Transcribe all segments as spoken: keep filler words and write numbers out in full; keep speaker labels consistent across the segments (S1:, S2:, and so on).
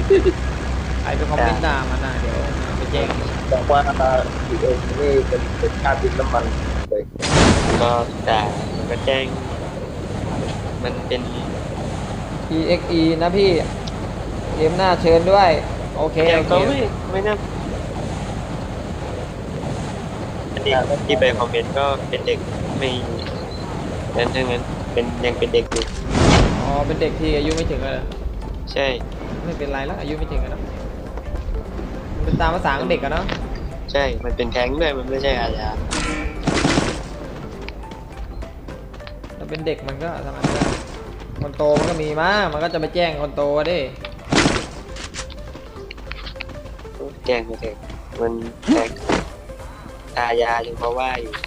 S1: ใครไปคอมเมนต์ด่ามันนะเดี๋ยวไปแจ้ง
S2: บอกว่าอีเอ็มนี่เป็นเป็นค่าดินน้ำมันเลย
S3: ก็แต่มันก็แจ้งมันเป็น
S1: อี เอ็กซ์ อี นะพี่เกมหน้าเชิญด้วยโอเค
S3: แต่
S1: โอเค
S3: ก็ไม่ไม่น่าอันนี้ที่ไปคอมเมนต์ก็เป็นเด็กไม่นั้นทั้งนั้นเป็นยังเป็นเด็กอยู่
S1: อ๋อเป็นเด็กที่อายุไม่ถึงเลย
S3: ใช่
S1: ไม่เป็นไรแล้วอายุไม่ถึงแล้วมันเป็นตามภาษาของเด็กอะเนาะ
S3: ใช่มันเป็นแท้งด้วยมันไม่ใช่อาญา
S1: ถ้าเป็นเด็กมันก็ทำอะไรไม่ได้คนโตมันก็มีมามันก็จะไปแจ้งคนโตดิ
S3: แจ้งไปเถอะมันแท้งอาญายังเพราะว่าอยู่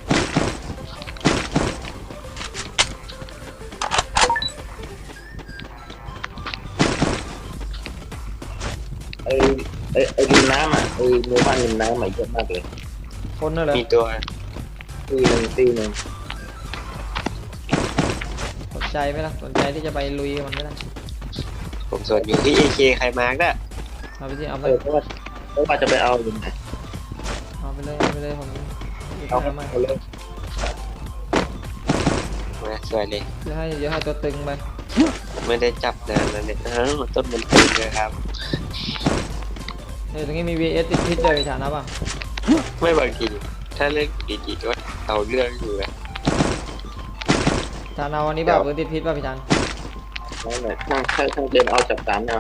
S2: ไอ้ไอ้ไอ้ดินน้ำอ่ะไอ้หมู่บ้านดินน้ำใหม่เยอะมากเลย
S1: คนนั่นแหละ
S3: มีตัว
S2: ตีหนึ่งตีหนึ่ง
S1: สนใจไหมล่ะสนใจที่จะไปลุยมันไหมล่ะ
S3: ผมส่วนอยู่ที่เอเคใครมาร์กอะ
S1: เอาไปสิเอาไป
S2: เออเพราะว่าเพราะว่าจะไปเอาอยู่ไหน
S1: เอาไปเลยเอาไปเลยผม
S2: เอา
S1: เอามา
S2: เอาเลย
S3: มาสวยเลย
S1: เดี๋ยวให้เดี๋ยวให้ตัวตึงไป
S3: ไม่ได้จับนานแล้วเนี่ยอ้าวต้นมันตึงเลยครับ
S1: เนี่ยตรงนี้มี วี เอส ติดพิษเลยพี่ฐานนะป่ะ
S3: ไม่บางทีถ้าเล่นดีๆก็เอาเรื่องอยู่เลย
S1: ฐานเอาวันนี้ป่ะปืนติดพิษป่ะพี่ฐาน
S2: นั่นแหละช่างช่างช่างเดินเอาจับสามนะ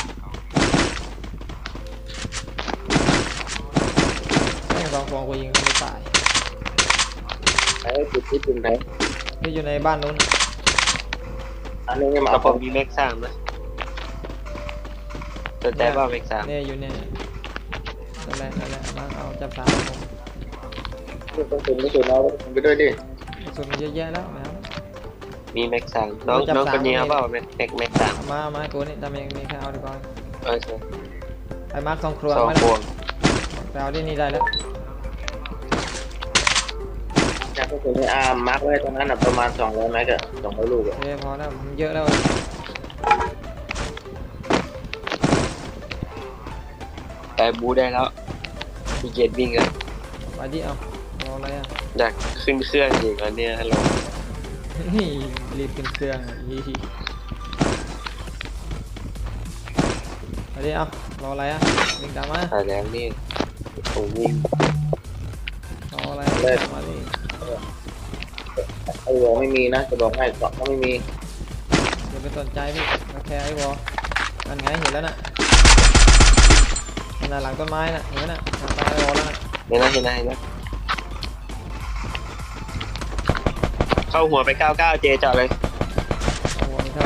S1: แม่งสองฟองกูยิงก็ไม่ตาย
S2: ไอ้จุดที่จุดไหน
S1: ที่อยู่ในบ้านนู้น
S2: อันนี้มา
S3: แต่
S2: เอา
S3: ผมมีแม็กสามนะสนใจว่าแม็กสาม
S1: เนี่ยอยู่เนี่ยนั่นแหละนั่นแหละมาเอาจับสามผม
S2: ต้องเป็นไม่ใช่เราต้องไปด้วยดิ
S1: ส่วนมันเยอะแยะแล้วนะครับ
S3: มีแม็กสามน้องน้องคนนี้เขาบอกแม็กแม็กแม็กสาม
S1: มามาตัวนี้ทำเองมีแค่เอาดีกว่า
S3: โอเค
S1: ไปมาร์คสองครัว
S3: สองพวง
S1: ไปเอาที่นี่ได้แล้ว
S2: จากก็คือในอาร์มมาร์กไว้ตรงนั้นอ่ะประมาณสองร้อยเมตรอะสองร้อยลูกอะ
S1: โอเคพอแล้วมันเยอะแล้ว
S3: แต่บูได้แล้วมีเกียรวิ่งกัน
S1: ไปดิเอารออะไรอ่ะ
S3: อยากขึ้นเครื่องอีกแล้วเนี่ยฮัลโหล
S1: รีบขึ้นเครื่องฮีฮีไปดิเอารออะไรอ่ะวิ่งตามมา
S3: แต่แล้วนี่ผมวิ่ง
S1: รออะไรมาดิ
S2: ไอ้วอไม่มีนะจะบอกให้เกาะก็ไม่มี
S1: อย่าไปสนใจพี่มาแค่ไอ้วอนั่นไงเห็นแล้วน่ะขนาดหลังต้นไม้น่ะเห็นไหมน่ะหลังต้นไม้วอแล้วน่ะ
S3: เห็นนะเห็นนะเห็นนะเข้าหัวไปเก้าเก้าเจจอดเลย
S1: เอาวอนี่ครับ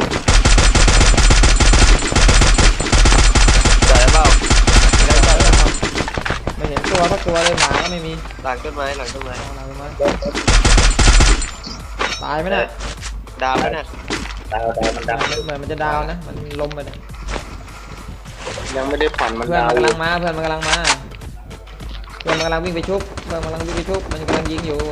S3: จอดแล้วเปล่า
S1: แล้วก็ไม่เห็นตัวสักตัวเลยหมาก็ไม่มี
S3: หลังต้นไม้หลังต้นไม้
S1: หลังต้นไม้ตายไหมน่ะ
S3: ดาวไหมน่ะ
S2: ดาวดาวมันดาว
S1: เหมือนมันจะดาวนะมันล้มไปเนี่ย
S2: ยังไม่ได้ผ่อนมัน
S1: เพื่อน
S2: ดาว
S1: มันกำลังมาเพื่อนมันกำลังมาเพื่อนมันกำลังวิ่งไปชุบเพื่อนมันกำลังวิ่งไปชุบมันกำลังยิงอยู่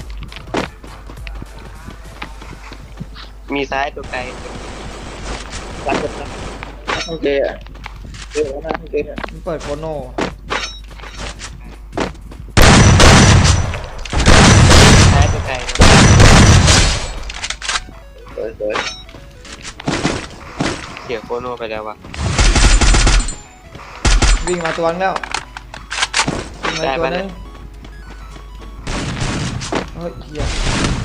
S3: มีซ้ายตัวไกล
S2: รักกันนะต้องเกย์อะเกย์นะต้องเกย์
S1: มันเปิดโคโน่
S3: ซ้ายตัวไกล
S2: เปิดเปิด
S3: เสียโคโน่ไปแล้ววะ
S1: วิ่งมาตัวนึงแล้ววิ่งมาตัวนึงเฮ้ยเหี้ย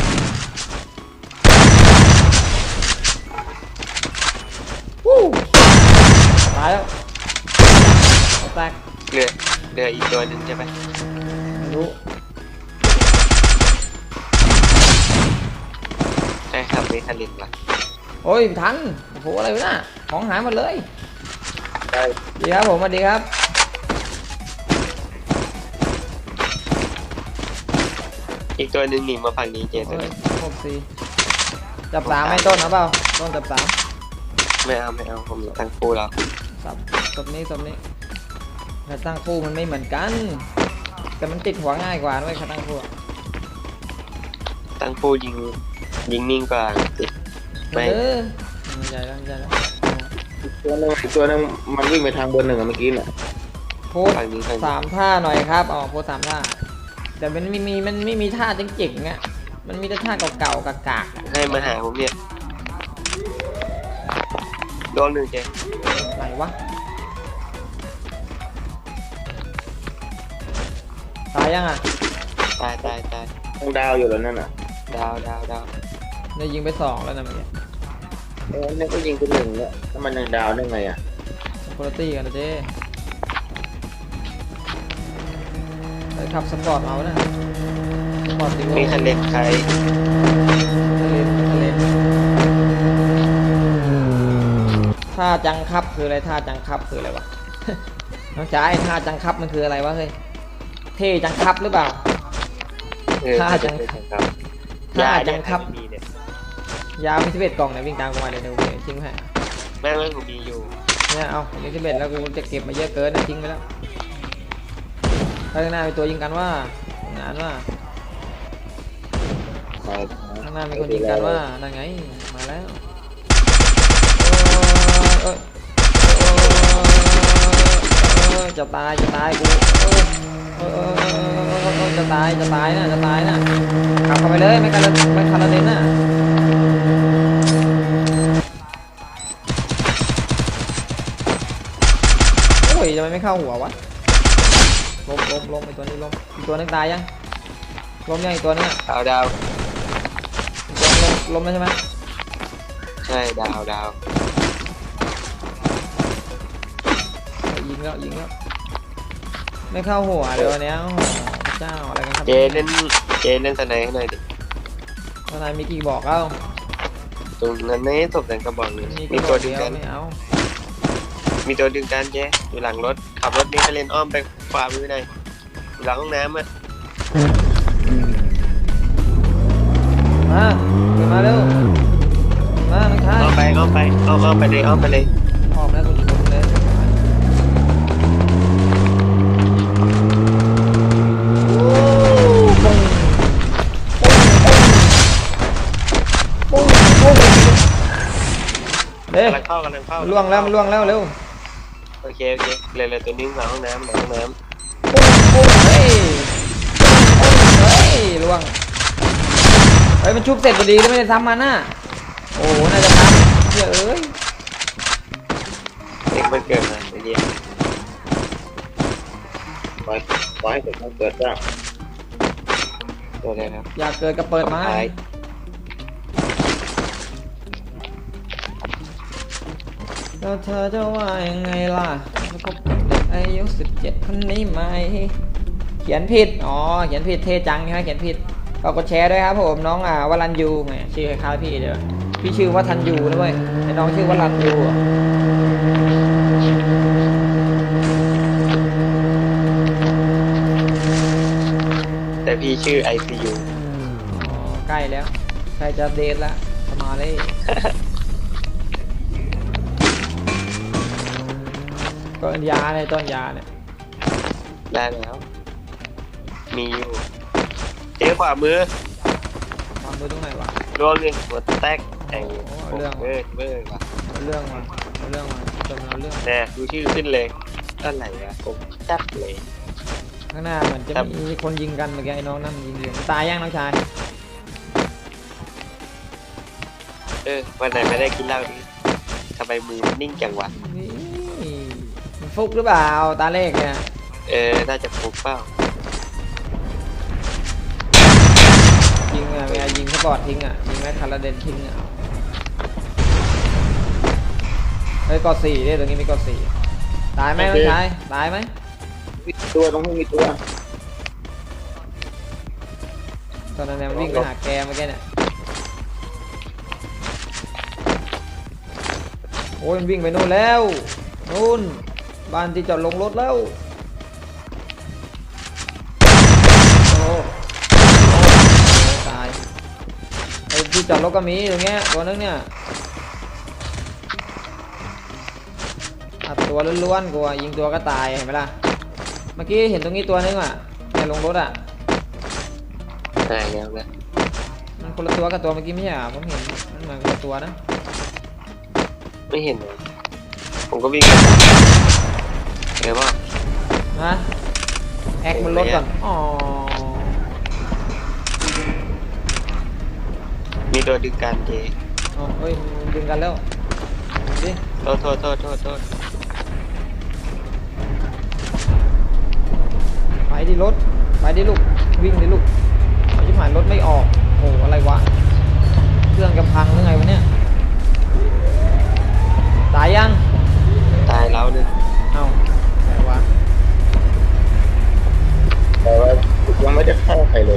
S1: วู้ตายแล้วแตก
S3: เหลือเหลืออีกตัวหนึ่งใช่ไหม
S1: ไม่รู้
S3: ใช่ครับมีคารินว่ะ
S1: โอ้ยทันโอ้โหอะไรวะน่ะของหายหมดเลย
S2: ได้
S1: ดีครับผมสวัสดีครับ
S3: อีกตัวหนึ่งหนีมาฝั่งนี้เจตัวนี้
S1: หกสี่จับสามไม่ต้นนะเปล่าต้นจับสาม
S3: ไม่เอาไม่เอาผมตั้งคู่แล้ว
S1: สับศพนี้ศพนี้ถ้าตั้งคู่มันไม่เหมือนกันแต่มันติดหัวง่ายกว่าด้วยถ้าตั้งคู่
S3: ตั้งคู่ยิงยิงนิ่งกว่าติด
S1: ไม่ใหญ่แล้วใหญ่แล้ว
S2: อีกตัวหนึงอีกตัวหนึงมันวิ่งไปทางเบอร์หนึ่งอะเมื่อกี้น่ะ
S1: โพสต์
S3: ฝั่งนี้ฝั่งนี้
S1: สามท่าหน่อยครับอ๋อโพสต์สามท่าแต่มันไม่มีมันไม่มีท่าเจ๋งๆอ่ะมันมีแต่ท่าเก่าๆกากๆอะ
S3: ให้มาหาผมเนี่ยโดนหนึ่งเจ๊
S1: ไหนวะตายยังอ่ะ
S3: ตายตายตาย
S2: ยังดาวอยู่แล้วนั่นน่ะ
S3: ดาวดาวดาว
S1: ได้ยิงไปสองแล้วนะเมื่อกี้
S2: เอ้ยนี่ก็ยิงเป็นหนึ่งแล้วแล้วมันยังดาวได้ไงอ่ะ
S1: สปอร์ตี้กันนะเจ้ไปขับสปอร์ตเอานะสปอร์ตดี
S3: มีคันเล็กใคร
S1: ทะเลทะเลท่าจังครับคืออะไรท่าจังครับคืออะไรวะ น้องจ๋าไอ้ท่าจังครับมันคืออะไรวะเฮ้ยเท่จังครับหรือเปล่า
S3: เออ
S1: ท่าจัง
S3: ครับ
S1: ท่าจังครับ
S3: ไม่มีเนี่ย
S1: ยาวมีสิบเอ็ดกล่องเนี่ยวิ่งตามกูมาเดี๋ยวเดี๋ยวเดี๋ยวทิ้งให้
S3: แม่งแม่งผมมีอยู่
S1: เนี่ยเอาผมมีสิบเอ็ดแล้วกูจะเก็บมาเยอะเกินนะทิ้งไปแล้วข้างหน้ามีตัวยิงกันว่าทำงานว่า
S2: มา
S1: ข้างหน้ามีคนยิงกันว่านั่นไงมาแล้วเออเออเออจะตายจะตายกูเออเออเออเออจะตายจะตายนะจะตายนะขับเข้าไปเลยไม่กันไม่คาราเดนน่ะโอ้ยทำไมไม่เข้าหัววะล้มล้มล้มไอตัวนี้ล้มอีกตัวนึงตายยังล้มยังอีกตัวนึงอ่ะ
S3: ดาวดาว
S1: ล้มล้มล้มแล้วใช่ไหม
S3: ใช่ดาวดาว
S1: ยิงแล้วยิงแล้วไม่เข้าหัวเลยวันเนี้ยโอ้โหพระเจ้าอะไรกันครับ
S3: เจเล่นเจเล่นสไนให้หน่อยดิ
S1: ทนายมีกี่บอกเอ้า
S3: ตรงนั้นไม่ศพแดงกระบอกหนึ่ง
S1: มี
S3: มี
S1: กี่บ
S3: ตั
S1: อ
S3: ว
S1: ก
S3: ดึ
S1: เดี
S3: ง
S1: ยว
S3: กัน
S1: ไม่เอา
S3: มีตัวดึงกันเจ๊อยู่หลังรถขับรถนี่ไปเล่นอ้อมไปขวามือหน่อยอยู่หลังห้องน้ำอ่ะ
S1: มาเดินมาเร็วมาน้องชาย
S3: อ้อมไปอ้อมไปอ้อมอ้อมไปเลยอ้อมไปเลย
S1: ออกแล้วคุณชมเลยโอ้ปุ้งปุ้งปุ้งปุ้งเด้
S3: กำลังเข้ากำลังเข้า
S1: มันล่วงแล้วมันล่วงแล้วเร็ว
S3: โอเคโอเคเลยเลยตัวนี้หลังห้องน้ำหลังห้องน้
S1: ปุ้งปุ้งเฮ้ยปุ้งเฮ้ยล่วงเฮ้ยมันชุบเสร็จพอดีแล้วไม่ได้ทำมันน่ะโอ้โหน่าจะทำเหี้ยเอ้ย
S3: ำเด็กมันเกิดมาไอ้เดีย
S2: ปล่อยปล่อยให้เกิดมันเกิดบ้าง
S3: ตัวอะไรครับ
S1: อยากเกิดก็เปิดมา
S3: ท้าย
S1: แล้วเธอจะว่ายังไงล่ะมาคบกับเด็กอายุสิบเจ็ดคนนี้ไหมเขียนผิดอ๋อเขียนผิดเทจังใช่ไหมเขียนผิดก็กดแชร์ด้วยครับผมน้องอ่าวรันยูแหมชื่อคล้ายๆพี่เดี๋ยวพี่ชื่อว่าทันยูนะเว้ยไอ้น้องชื่อว่ารันยูอะ
S3: แต่พี่ชื่อ ไอ ซี ยู
S1: อ๋อใกล้แล้วใกล้จะเดทแล้วสมาเลยต้นยาเนี่ยต้นยาเนี่ย
S3: ได้แล้ว มีอยู่เจ๊ขวามือ
S1: วางมือตรงไหนวะ
S3: รวมเลยหัวแตกไอ้
S1: โอ้เอาเรื่อง
S3: เบิร์ดเบิร์ดว่ะ
S1: เอาเรื่องมาเอาเรื่องมาจนเอาเรื่อง
S3: แน่ดูชื่อขึ้นเลยอะไรวะผมจัดเลย
S1: ข้างหน้าเหมือนจะ
S3: ครับ
S1: มีคนยิงกันเมื่อกี้ไอ้น้องนั่นยิงอยู่ตายยังน้องชาย
S3: เออวันไหนไม่ได้กินเหล้านี้ทำไมมือมันนิ่งจังวะ
S1: นี่มันฟุกหรือเปล่าตาเลขเนี่ย
S3: เออน่าจะฟุกเปล่า
S1: ยิงอ่ะเวลายิงสปอร์ตทิ้งอ่ะยิงแม่คาราเดนทิ้งอ่ะเฮ้ยกอสี่ดิตรงนี้มีกอสี่ตายไหมน้องชายตายไหม
S2: มีตัวตรงนี้มีตัว
S1: ตอนนั้นเนี่ยมันวิ่งไปหาแกเมื่อกี้เนี่ยโอ้ยมันวิ่งไปนู่นแล้วนู่นบ้านที่จอดลงรถแล้วโอ้โหตายไอ้ที่จอดรถก็มีตรงเงี้ยตัวนึงเนี่ยอัดตัวล้วนๆกูอะยิงตัวก็ตายเห็นไหมล่ะเมื่อกี้เห็นตรงนี้ตัวนึงอ่ะในลงรถอ่ะ
S3: ตายแล้วนะ
S1: มันคนละตัวกับตัวเมื่อกี้ไม่ใช่เหรอผมเห็นมันเหมือนคนละตัวนะ
S3: ไม่เห็นเลยผมก็วิ่งไปเดี๋ยวว่า
S1: ฮะแอคมันลดก่อนอ๋อ
S3: มีตัวดึงกันเจ
S1: อ๋อเฮ้ยมันดึงกันแล้วดิ
S3: โทษโทษโทษโทษโทษ
S1: ไปดิรถไปดิลูกวิ่งดิลูกไอ้ชิบหายรถไม่ออกโอ้อะไรวะเครื่องจะพังหรือไงวะเนี่ยตายยัง
S3: ตายแล้วนึง
S1: เอ้าไหนวะ
S2: แต่ว่ายังไม่ได้ฆ่าใครเลย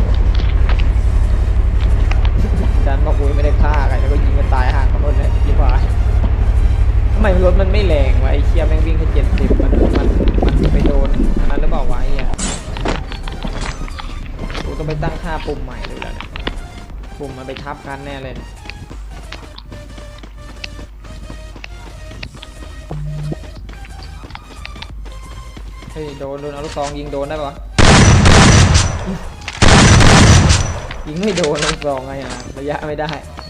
S1: ดันบอกอุ้ยไม่ได้ฆ่าใครแล้วก็ยิงกันตายห่างกันหมดเลยยี่ห้อทำไมรถมันไม่แรงวะไอ้เชี่ยแม่งวิ่งแค่เจ็ดสิบมันมันมันไปโดนอันนั้นหรือเปล่าวะไอ้เหี้ยกูต้องไปตั้งค่าปุ่มใหม่เลยแล้วเนี่ยปุ่มมันไปทับกันแน่เลยเฮ้ยโดนโดนเอาลูกซองยิงโดนได้ปะวะยิงไม่โดนลูกซองไงอ่ะระยะไม่ได้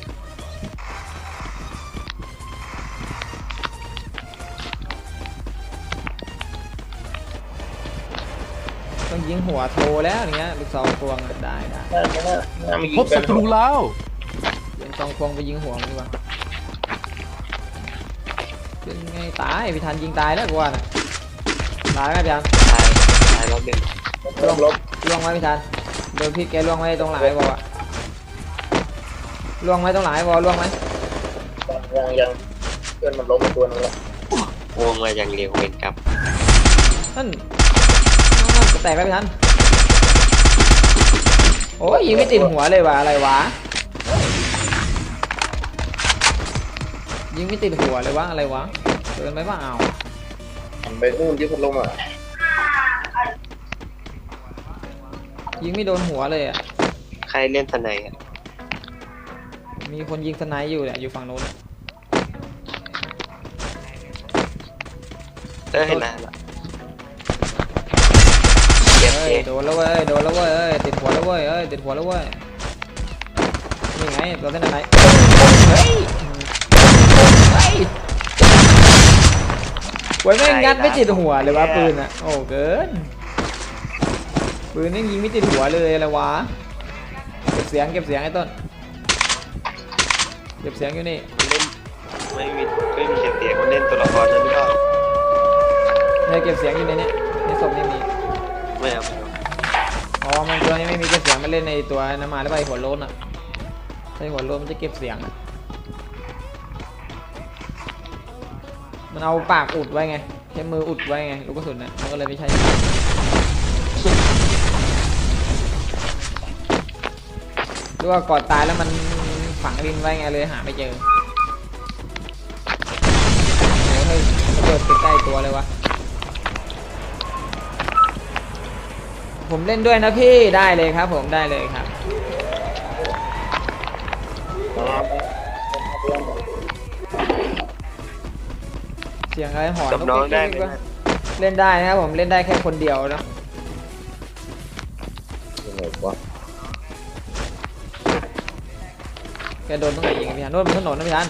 S1: ต้องยิงหัวโทรแล้วอย่างเงี้ยลูกซองควงอะได้ได้
S2: หน้าหน้าหน้ามี
S4: พบศัตรูแล้ว
S1: ยิงซองควงไปยิงหัวมันดีกว่าเป็นไงตายพี่ทันยิงตายแล้วกูว่าน่ะตายไหมพี่ทัน
S3: ตายตายแล้วนึง
S2: ลบลบ
S1: ล่วงไหมพี่ทันโดนพิษแกล่วงไหมตรงหลังไอ้บอลอะล่วงไหมตรงหลังไอ้บอลล่วงไหม
S2: ยังยังเพื่อนมันล้มไปตัวนึงแล้ว
S3: วงมาอย่างเร็วเวนกับ
S1: นั่นนั่นจะแตกแล้วพี่ทันโอ้ยยิงไม่ติดหัวเลยวะอะไรวะยิงไม่ติดหัวเลยวะอะไรวะเกินไปเปล่า
S2: หันไปนู่นที่พัดลมอ่ะ
S1: ยิงไม่โดนหัวเลยอ่ะ
S3: ใครเล่นทนายอ่ะ
S1: มีคนยิงสไนป์อยู่เนี่ยอยู่ฝั่งโน้น
S3: เออเห็นแล้วล่ะเจ็บ
S1: เฮ้
S3: เจ
S1: ยโดนแล้วเว้ยโดนแล้วเว้ยเอ้ยติดหัวแล้วเว้ยเอ้ยติดหัวแล้วเว้ยนี่ไงตัวเส้นไหนเฮ้ยเฮ้ยไว้แม่งงัดไม่ติดหัวเลยวะปืนอ่ะโอ้เกินปืนนี่ยิงไม่ติดหัวเลยอะไรวะเก็บเสียงเก็บเสียงไอ้ต้นเก็บเสียงอยู่นี่
S3: เล่นไม่มีไม่มีเสียงเสียงมันเล่นตัวละครนั้นหรือเปล่า
S1: เนี่ยเก็บเสียงอยู่ในนี้ในศพนี่มี
S3: ไม่เอาไม่เอา
S1: อ๋อมันตัวนี้ไม่มีเก็บเสียงมันเล่นในตัวน้ำมาหรือเปล่าไอ้หัวโล้นอ่ะไอ้หัวโล้นมันจะเก็บเสียงอะมันเอาปากอุดไว้ไงใช้มืออุดไว้ไงลูกกระสุนน่ะมันก็เลยไม่ใช่หรือว่าก่อนตายแล้วมันฝังดินไว้ไงเลยหาไม่เจอโอ้เฮ้ยระเบิดใกล้ๆตัวเลยวะผมเล่นด้วยนะพี่ได้เลยครับผมได้เลยครับเสียงอะไรหอน
S3: กับน้องได้ไหม
S1: ก็เล่นได้นะครับผมเล่นได้แค่คนเดียวนะ
S2: ยังไงวะ
S1: แกโดนตรงไหนยิงอะพี่ฮันโน่นบนถนนนะพี่ฮัน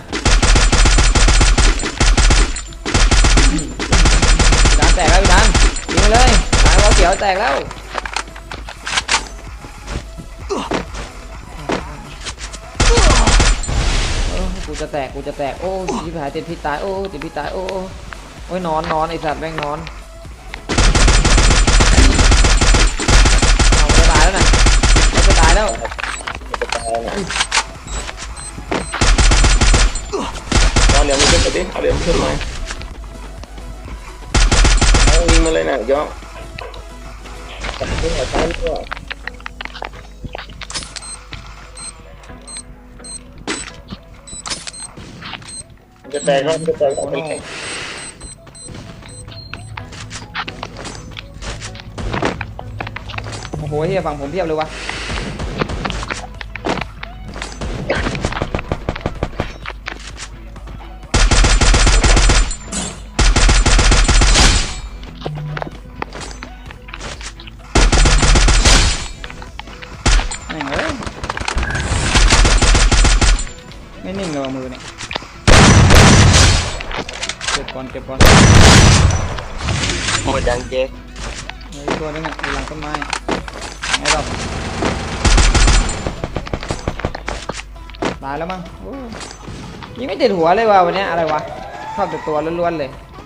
S1: พี่ฮันแตกแล้วพี่ฮันยิงไปเลยหางเราเขียวแตกแล้วเออกูจะแตกกูจะแตกโอ้ชิบหายติดพิษตายโอ้ติดพิษตายโอ้โอ้ยนอนนอนไอสัตว์แม่งนอนเอาจะตายแล้วนะจะตายแล้ว
S2: จะตายนะเอาเหลี่ยมขึ้นไปดิเอาเหลี่ยมขึ้นมาเอายิงมาเลยนะย่อจับขึ้นมาซ้ายด้วยจะแตกก็จะแตกก็ไม่แข็ง
S1: โอ้โหเฮียฝั่งผมเพียบเลยวะแม่งเอ้ยไม่นิ่งเลยว่ะมือเนี่ยเจ็บกว่าอนเก็บก่อน
S3: หมดยังเจ
S1: เหลืออีกตัวนึงอ่ะอยู่หลังต้นไม้ไงหรอกตายแล้วมั้งโอ้ยิงไม่ติดหัวเลยว่ะวันเนี้ยอะไรวะชอบแต่ตัวล้วนๆเลย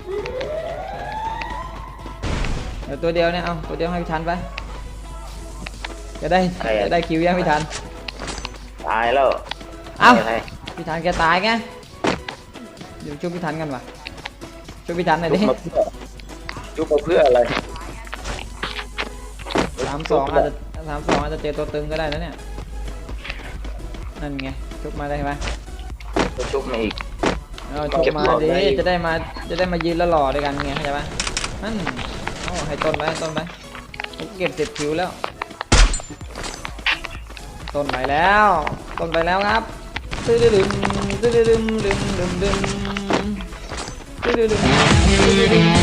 S1: เดี๋ยวตัวเดียวเนี่ยเอาตัวเดียวให้พี่ทันไปจะได้จะได้คิวยังพี่ทัน
S2: ตายแล้ว
S1: เอ้า
S2: ไง
S1: พี่ทันแกตายไงเดี๋ยวช่วยพี่ทันกันวะช่วยพี่ทันหน่อย
S2: จุ
S1: ดิ
S2: บมาเพื่อจุบมาเพื่ออะไร
S1: สามสองอาจจะสามสองอาจจะเจอตัวตึงก็ได้นะเนี่ยนั่นไงชุบมาได้ไหม
S2: จุบมาอีก
S1: เอาชุบมาดิจะได้มาจะได้มายืนแล้วหล่อด้วยกันไงเข้าใจปะนั่นโอ้ให้ต้นไปให้ต้นไปผมเก็บสิบคิวแล้วต้นไปแล้วต้นไปแล้วครับตึ้ดดึมตึ้ดดึมดึมดึมดึมตึ้ดดึมตึ้ดดึม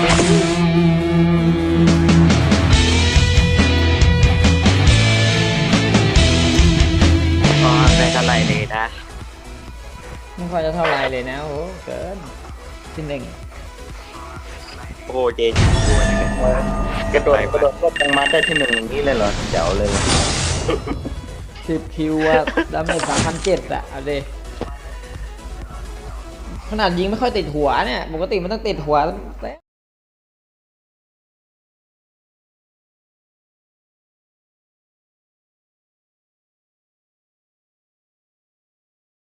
S3: ก็ได้เท่าไหร่เลยนะ
S1: ไม่ค่อยจะเท่าไรเลยนะโอ้เกินที่หนึ่ง
S3: โอ้เจจิกลัวนี่กัน
S2: กระโดดกระโดดก็ยังมาได้ที่หนึ่งอย่างนี้เลยเหรอเจ๋วเลย
S1: สิบคิวอะดาเมจสามพันเจ็ดอะเอาดิขนาดยิงไม่ค่อยติดหัวเนี่ยปกติมันต้องติดหัว